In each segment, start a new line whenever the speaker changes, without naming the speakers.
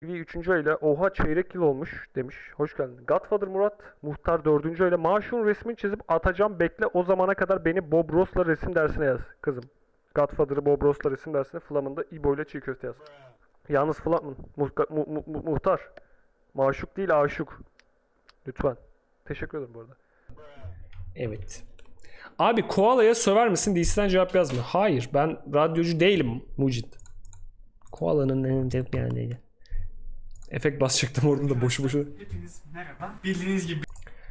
Üçüncü ile oha çeyrek yıl olmuş demiş. Hoş geldin. Godfather Murat Muhtar dördüncü ile maaşın resmini çizip atacağım bekle o zamana kadar beni Bob Ross'la resim dersine yaz kızım. Godfather'ı Bob Ross'la resim dersine Flamin'da İbo ile çiğ köfte yaz. Yalnız Flamin Muhtar maşuk değil aşık. Lütfen. Teşekkür ederim bu arada.
Evet. Abi koalaya söver misin? DC'den cevap yazma. Hayır, ben radyocu değilim Mucit. Koalanın yani. Efekt basacaktım orada da boşu boşu.
Hepiniz merhaba. Bildiğiniz gibi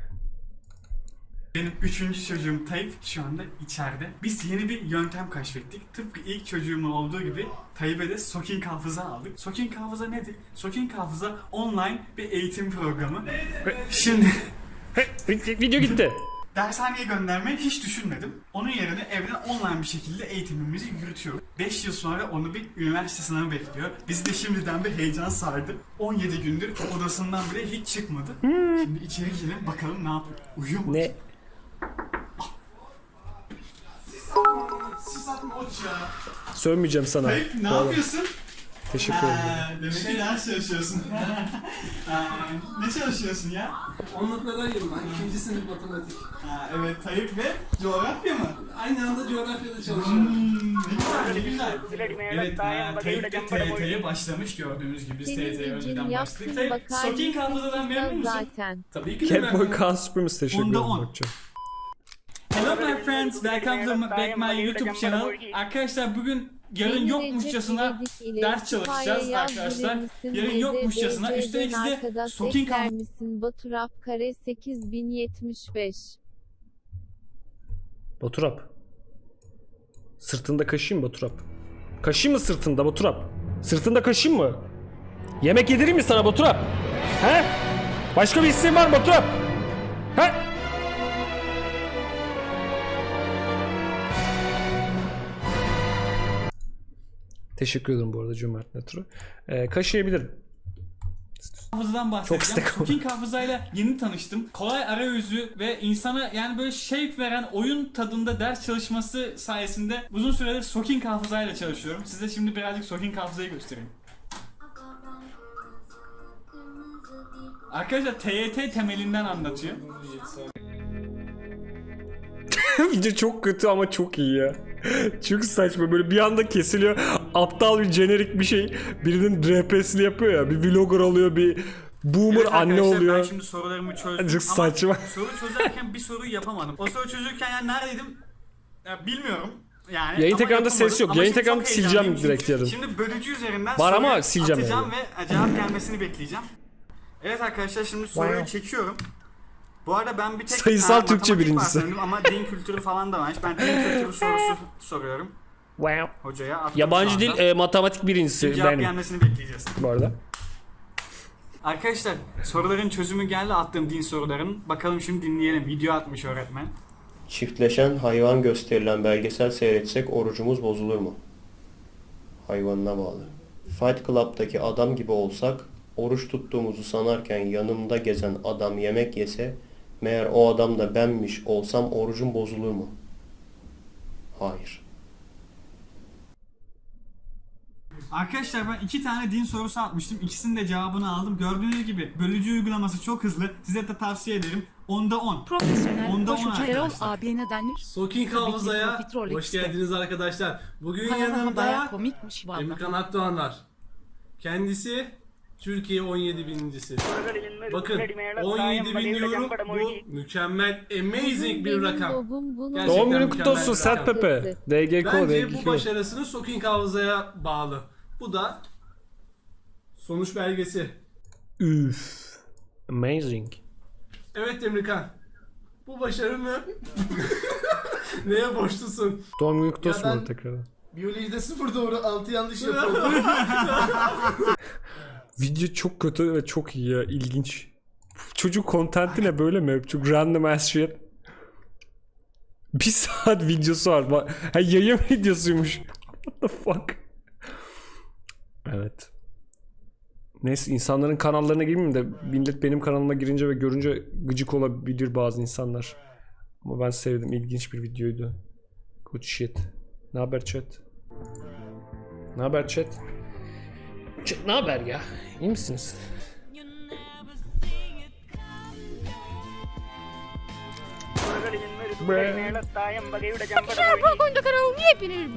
benim üçüncü çocuğum Tayyip şu anda içeride. Biz yeni bir yöntem keşfettik. Tıpkı ilk çocuğumun olduğu gibi Tayyip'e de Soking Hafıza aldık. Soking Hafıza nedir? Soking Hafıza online bir eğitim programı. Şimdi
Video gitti.
dershaneye göndermeyi hiç düşünmedim. Onun yerine evden online bir şekilde eğitimimizi yürütüyoruz. 5 yıl sonra onu bir üniversite sınavı bekliyor. Bizi de şimdiden bir heyecan sardı. 17 gündür odasından bile hiç çıkmadı. Şimdi içeri girelim bakalım ne yapıyor. Uyuyor mu?
Ne?
Sis atma oç ya.
Sövmeyeceğim sana.
Tayyip ne
Koala.
yapıyorsun?
Teşekkür ederim.
Demek ki ders çalışıyorsun. Ne çalışıyorsun ya?
Onluklardayım ben. İkinci sınıf matematik.
Evet Tayyip ve coğrafya mı?
Aynı anda coğrafyada çalışıyorum.
Ne güzel. Evet, Tayyip de TYT'ye başlamış gördüğünüz gibi. Biz TYT'ye
Senin
önceden
için
başladık.
yaptığın
Tayyip,
bakar
Soking Hafıza'dan memnun musun?
zaten.
Tabii ki de
Catboy
memnunum.
Kaan Supremacy teşekkür
Onda
ederim.
10.
Bakacağım.
Hello my friends, welcome to back my YouTube channel. Arkadaşlar bugün yarın
Beni
yokmuşçasına
Recep İvedik ile
ders çalışacağız
Kütüphaya
arkadaşlar.
yazdırır mısın?
Yarın yokmuşçasına
BDBC'den
üstelik size
arkadaş
Soking
ekler
Hafıza...
misin? Baturap kare 8075.
Baturap. Sırtında kaşıyım Baturap. Kaşıyım mı sırtında Baturap? Sırtında kaşıyım mı? Yemek yedireyim mi sana Baturap? He? Başka bir isteğin var mı Baturap? He? Teşekkür ederim bu arada cömert Netro. Kaşıyabilirim.
Hafızadan bahsedeceğim.
istek oldu.
Soking hafızayla yeni tanıştım. Kolay arayüzü ve insana yani böyle şevk veren oyun tadında ders çalışması sayesinde uzun süredir Soking hafızayla çalışıyorum. Size şimdi birazcık Soking hafızayı göstereyim. Arkadaşlar TYT temelinden anlatıyor.
Video çok kötü ama çok iyi ya. Çok saçma böyle bir anda kesiliyor. Aptal bir jenerik bir şey. Birinin RP'sini yapıyor ya. Bir vlogger oluyor, bir boomer
Evet
anne
arkadaşlar,
oluyor.
ben şimdi sorularımı çözdüm
Çok
ama
saçma.
soru çözerken bir soruyu yapamadım. O soru çözürken yani neredeydim? Ya bilmiyorum. Yani
Yayın
ama
tekrarında
yapamadım.
ses yok.
Ama
Yayın
şimdi
tekrarında
çok
sileceğim
heyecanlıyım
direkt
çünkü
yarın.
Şimdi bölücü üzerinden
Var ama
soruyu
sileceğim
atacağım
yani.
ve cevap gelmesini bekleyeceğim. Evet arkadaşlar şimdi soruyu çekiyorum. Bu arada ben bir tek
Sayısal Türkçe
matematik
birincisi.
var sanırım ama din kültürü falan da varmış. Ben din kültürü sorusu soruyorum
Wow.
hocaya. Attım
Yabancı
şu anda.
dil matematik birincisi
Cevap
benim
gelmesini bekleyeceğiz.
bu arada.
Arkadaşlar soruların çözümü geldi attığım din sorularının. Bakalım şimdi dinleyelim. Video atmış öğretmen.
Çiftleşen hayvan gösterilen belgesel seyretsek orucumuz bozulur mu? Hayvanına bağlı. Fight Club'daki adam gibi olsak, oruç tuttuğumuzu sanarken yanımda gezen adam yemek yese, meğer o adam da benmiş olsam orucum bozulur mu? Hayır.
Arkadaşlar ben 2 tane din sorusu atmıştım. İkisinin de cevabını aldım. Gördüğünüz gibi bölücü uygulaması çok hızlı. Size de tavsiye ederim. 10'da 10.
Profesyonel
Onda on
koşucu Erol
arkadaşlar.
abiye ne denir?
Soking
Tabii ki
Hafıza'ya
Profiterol
hoş
X'te.
geldiniz arkadaşlar. Bugün
Kanala baya
yanımda
komikmiş valla.
Emirkan Akdoğan var. Kendisi Türkiye 17 birincisi. Bakın 17 bin diyorum, bu mükemmel, amazing bir rakam. Gerçekten
Doğum günün
mükemmel
kutlu olsun
bir
Sert
rakam.
Pepe. DGK
Bence bu
DGK.
başarısını Soking Hafıza'ya bağlı. Bu da sonuç belgesi.
Üf. Amazing.
Evet Emirkan. Bu başarını neye borçlusun?
Doğum günün kutlu
Ya
olsun
ben-
bana tekrardan.
Biyolojide 0 doğru 6 yanlış yapıldı.
Video çok kötü ve çok iyi ya. İlginç. Çocuk kontenti ne böyle mi? Çok random ass shit. Bir saat videosu var. Ha, yayın videosuymuş. What the fuck? Evet. Neyse insanların kanallarına girmeyeyim de millet benim kanalıma girince ve görünce gıcık olabilir bazı insanlar. Ama ben sevdim. İlginç bir videoydu. Good shit. Ne haber chat? Ne haber chat? Ne haber ya? İyi misiniz?
കൊണ്ട് കറങ്ങി പിന്നെ